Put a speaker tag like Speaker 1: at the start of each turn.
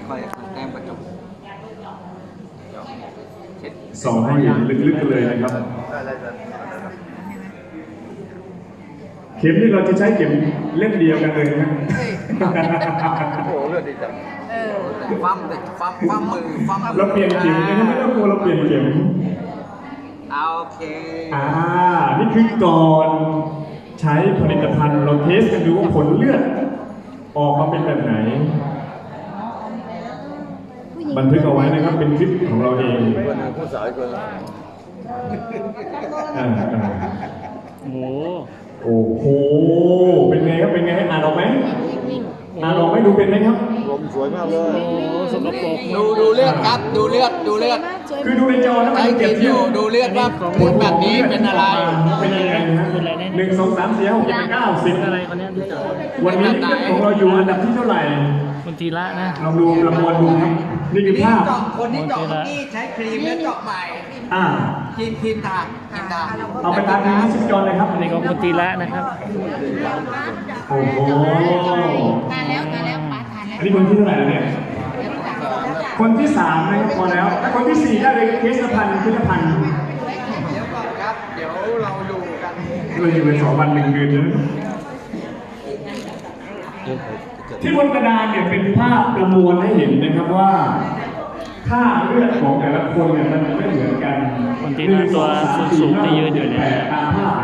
Speaker 1: ค่อยๆแต้มกระจก
Speaker 2: ส่องให้เห็นลึกๆกันเลยนะครับเข็มนี่เราจะใช้เข็มเล่มเดียวกันเลยนะ
Speaker 1: โอ้โหเลือดดีจังฟั่มเด็กฟั่มมือฟั่มมือ
Speaker 2: เราเปลี่ยนเข็มนะไม่ต้องกลัวเราเปลี่ยนเข็ม
Speaker 1: โอเค
Speaker 2: นี่คือก่อนใช้ผลิตภัณฑ์เราเทสกันดูว่าผลเลือดออกมาเป็นแบบไหนบันทึกเอาไว้นะครับเป็นคลิปของเราเอง
Speaker 1: ผู้สาวคน
Speaker 2: โอ้โหเป็นไงครับเป็นไงอ่านออกไหมอ่านออกไหมดูเป็นไหมครับ
Speaker 1: ลมสวยมากเลย
Speaker 3: สกปรก
Speaker 1: ดูเลือดครับดูเลือด
Speaker 2: คือดูในจอนะมันเก็บเที่ยว
Speaker 1: ดูเลือดว่าเลือดแบบนี้เป็นอะไร
Speaker 2: เป็นยังไงนะ1 2 3 4 5 6 7 8 9 10
Speaker 3: อะไรคนนี้
Speaker 2: วันนี้ของเราอยู่อันดับที่เท่าไหร่
Speaker 3: คุณธีระนะ
Speaker 2: เราดูประมวลดูครับนี่คือภาพ
Speaker 1: คนที่เจาะนี่ใช้ครีมแล้วเจาะใหม่ครีมทา
Speaker 2: เอาไปทานที่ชิปจอนเลยครับ
Speaker 3: อันนี้ของคุณธีระนะครับ
Speaker 2: โอ้โห
Speaker 4: ทานแล้วป้าทานแล้ว
Speaker 2: อันนี้คนที่เท่าไหร่แล้วเนี่ยคนที่3นะครับพอแล้วถ้าคนที่4ได้เลยเคสพันธ์เดี๋ยวก่อน
Speaker 1: ครับเดี๋ยวเราดูกัน
Speaker 2: เราอยู่เป็น2 วัน 1 เดือนนะที่บนกระดานเนี่ยเป็นภาพประมวลให้เห็นนะครับว่าค่าเลือดของแต่ละคนเนี่ยมันไม่เหมือนกัน
Speaker 3: คนที่ตัวสูงที่ยืนอยู่เนี่ย
Speaker 2: ตามภาพ